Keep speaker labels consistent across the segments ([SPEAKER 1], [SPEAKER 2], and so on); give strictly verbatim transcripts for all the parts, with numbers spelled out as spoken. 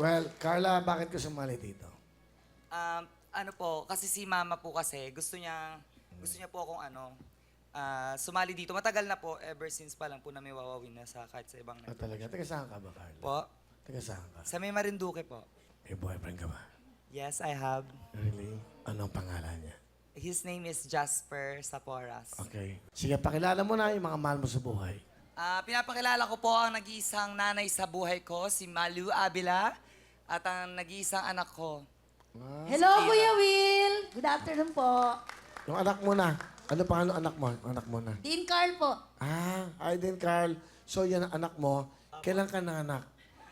[SPEAKER 1] Well, Carla, bakit ka sumali dito?
[SPEAKER 2] Um, ano po, kasi si mama po kasi, gusto niya, gusto niya po akong ano, ah, sumali dito. Matagal na po, ever since pa lang po na may wawawin na sa kahit sa ibang
[SPEAKER 1] Ah,
[SPEAKER 2] network.
[SPEAKER 1] talaga? Taga saan ka ba, Carla?
[SPEAKER 2] Po,
[SPEAKER 1] Taga saan ka?
[SPEAKER 2] sa may Marinduque po.
[SPEAKER 1] May boyfriend ka ba?
[SPEAKER 2] Yes, I have.
[SPEAKER 1] Really? Anong pangalan niya?
[SPEAKER 2] His name is Jasper Saporas.
[SPEAKER 1] Okay. Sige, pakilala mo na yung mga mahal mo sa buhay.
[SPEAKER 2] Ah, pinapakilala ko po ang nag-iisang nanay sa buhay ko, si Malu Abila, at ang nag-iisang anak ko.
[SPEAKER 1] Ah.
[SPEAKER 3] Hello, Kuya Will! Good afternoon po.
[SPEAKER 1] Yung anak mo na. Ano pa ano anak mo? Yung anak mo na.
[SPEAKER 3] Dean Carl po.
[SPEAKER 1] Ah, ay din, Carl. So, yan ang anak mo. Kailan ka nanganak?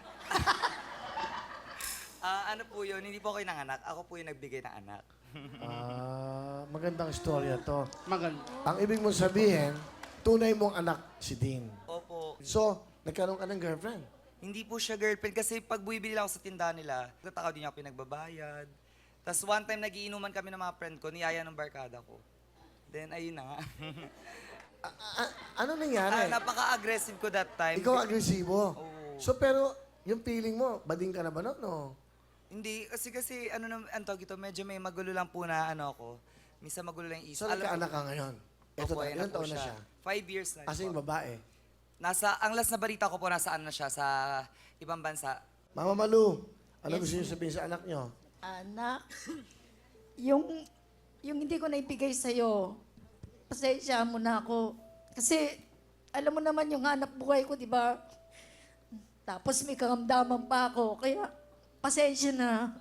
[SPEAKER 2] Ah, ano po yun, hindi po ako yung nanganak, ako po yung nagbigay ng anak.
[SPEAKER 1] Ah, magandang istorya to.
[SPEAKER 4] Maganda.
[SPEAKER 1] Ang ibig mong sabihin, tunay mong anak si Dean.
[SPEAKER 2] Opo.
[SPEAKER 1] So, nagkaroon ka ng girlfriend.
[SPEAKER 2] Hindi po siya girlfriend kasi pag bumibili ako sa tindahan nila, nagtatakaw din niya ako pinagbabayad. Tapos one time nagiinuman kami ng mga friend ko, niyaya ng barkada ko. Then ayun na nga.
[SPEAKER 1] A- a- ano nangyari?
[SPEAKER 2] Ah, napaka-aggressive ko that time.
[SPEAKER 1] Ikaw agresibo.
[SPEAKER 2] Oo.
[SPEAKER 1] So, pero yung feeling mo, bading ka na ba no? no?
[SPEAKER 2] Hindi, kasi kasi ano nang ang tawag ito, medyo may magulo lang po na ano ako. Minsan magulo lang yung isip.
[SPEAKER 1] So, nagkaanak ka ngayon. Ito
[SPEAKER 2] Opo,
[SPEAKER 1] na,
[SPEAKER 2] ayan
[SPEAKER 1] ilan
[SPEAKER 2] po
[SPEAKER 1] taon na
[SPEAKER 2] siya.
[SPEAKER 1] siya?
[SPEAKER 2] Five years na.
[SPEAKER 1] Kasi
[SPEAKER 2] po.
[SPEAKER 1] yung babae.
[SPEAKER 2] Nasa, ang last na balita ko po, nasaan na siya, sa ibang bansa.
[SPEAKER 1] Mama Malu, ano
[SPEAKER 3] Yes,
[SPEAKER 1] gusto niyo sabihin sa anak niyo?
[SPEAKER 3] Anak, yung, yung hindi ko naibigay sa'yo, pasensya mo na ako. Kasi, alam mo naman yung hanap buhay ko, di ba? Tapos may karamdaman pa ako, kaya pasensya na.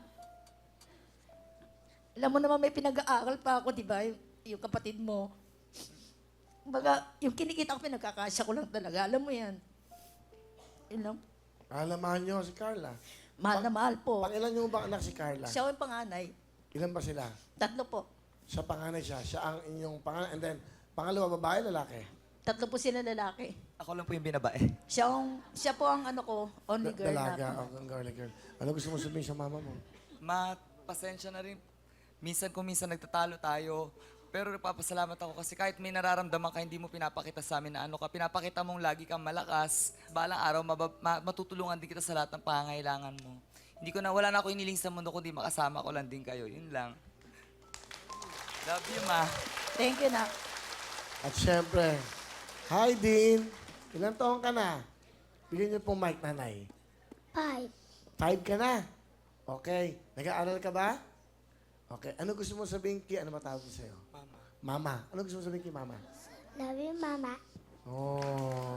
[SPEAKER 3] Alam mo naman may pinag-aaral pa ako, di ba? Yung, yung kapatid mo. Baga, yung kinikita ko, pinagkakasya ko lang talaga. Alam mo yan. Yun lang.
[SPEAKER 1] Alamahan niyo si Carla.
[SPEAKER 3] Mahal na mahal po.
[SPEAKER 1] Pangilan niyo ba anak si Carla?
[SPEAKER 3] Siya yung panganay.
[SPEAKER 1] Ilan ba sila?
[SPEAKER 3] Tatlo po.
[SPEAKER 1] Sa panganay siya. Siya ang inyong panganay. And then, pangalawa, babae, lalaki?
[SPEAKER 3] Tatlo po sila lalaki.
[SPEAKER 2] Ako lang po yung binabae.
[SPEAKER 3] Siya, ang, siya po ang ano ko, only
[SPEAKER 1] Da-
[SPEAKER 3] girl
[SPEAKER 1] Dalaga.
[SPEAKER 3] na.
[SPEAKER 1] Oh, ang girly girl. Ano gusto mo sabihin sa mama mo?
[SPEAKER 2] Ma, pasensya na rin. Minsan kung minsan nagtatalo tayo, pero nagpapasalamat ako kasi kahit may nararamdaman ka, hindi mo pinapakita sa amin na ano ka. Pinapakita mong lagi kang malakas. Balang araw, mabab- ma- matutulungan din kita sa lahat ng pangangailangan mo. Hindi ko na, wala na ako iniling sa mundo kundi makasama ko lang din kayo. Yun lang. Love you, ma.
[SPEAKER 3] Thank you na.
[SPEAKER 1] At syempre, hi, Dean. Ilan taon ka na? Bigyan niyo pong mic, nanay.
[SPEAKER 5] Five.
[SPEAKER 1] Five ka na? Okay. Nag-aaral ka ba? Okay. Ano gusto mo sabihin kay, ano matawag ko sa'yo?
[SPEAKER 2] Mama.
[SPEAKER 1] Mama. Ano gusto mo sabihin kay mama?
[SPEAKER 5] Love you, Mama.
[SPEAKER 1] Oh.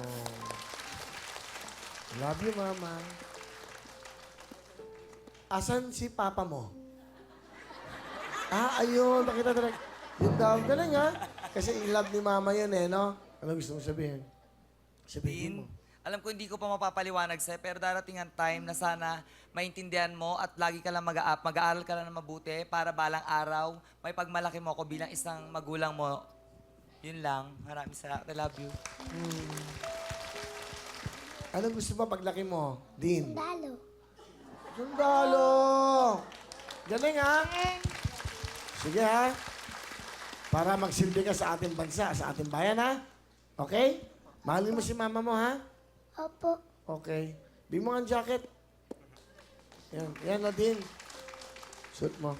[SPEAKER 1] Love you, mama. Asan si papa mo? Ah, ayun. Nakita talaga. Yung daw. Galing, ha? Kasi in-love ni mama yun, eh, no? Ano gusto mo sabihin? Sabihin mo.
[SPEAKER 2] Dean, alam ko hindi ko pa mapapaliwanag sa'yo, pero darating ang time na sana maintindihan mo at lagi ka lang mag-a- mag-aaral ka lang na mabuti para balang araw, may pagmalaki mo ako bilang isang magulang mo. Yun lang. Maraming salamat. I love you.
[SPEAKER 1] Ano gusto mo paglaki mo? Dean?
[SPEAKER 5] Dalo.
[SPEAKER 1] Sundalo! Galing, ha? Sige, ha? Para magsilbi ka sa ating bansa, sa ating bayan, ha? Okay? Mahalin mo si mama mo, ha?
[SPEAKER 5] Opo.
[SPEAKER 1] Okay. Bigyan mo nga ang jacket. Yan. Yan, Nadine. Suit mo.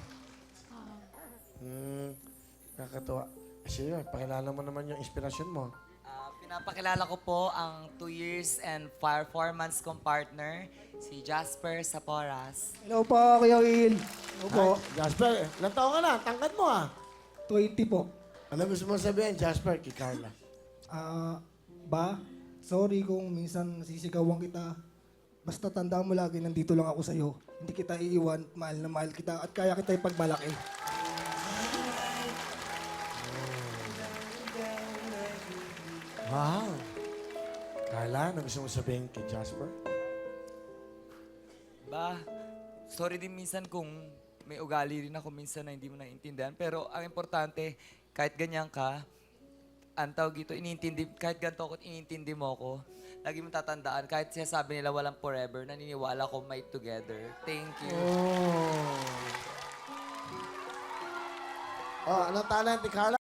[SPEAKER 1] Hmm. Nakakatuwa. Sige, pakilala mo naman yung inspirasyon mo.
[SPEAKER 2] Ah, pinapakilala ko po ang two years and four, four months kong partner, si Jasper Saporas.
[SPEAKER 4] Hello po, Kuya Will. Hello po.
[SPEAKER 1] Hi, Jasper, ilang taon ka na? Tangkad mo, ah.
[SPEAKER 4] twenty po.
[SPEAKER 1] Ano gusto mo sabihin, Jasper, kay Carla?
[SPEAKER 4] Ah, ba? Sorry kung minsan sisigawan kita. Basta tandaan mo lagi, nandito lang ako sa'yo. Hindi kita iiwan, mahal na mahal kita, at kaya kita ipagmalaki.
[SPEAKER 1] Wow. Carla, ano gusto mo sabihin kay Jasper?
[SPEAKER 2] Ba, sorry din minsan kung may ugali rin ako minsan na hindi mo naiintindihan. Pero ang importante, kahit ganyan ka, ang tawag ito, iniintindi, kahit ganito ako, iniintindi mo ako, lagi mo tatandaan, kahit sinasabi nila walang forever, naniniwala ko may together. Thank you.
[SPEAKER 1] Oh. Oh, ano talent ni Carla?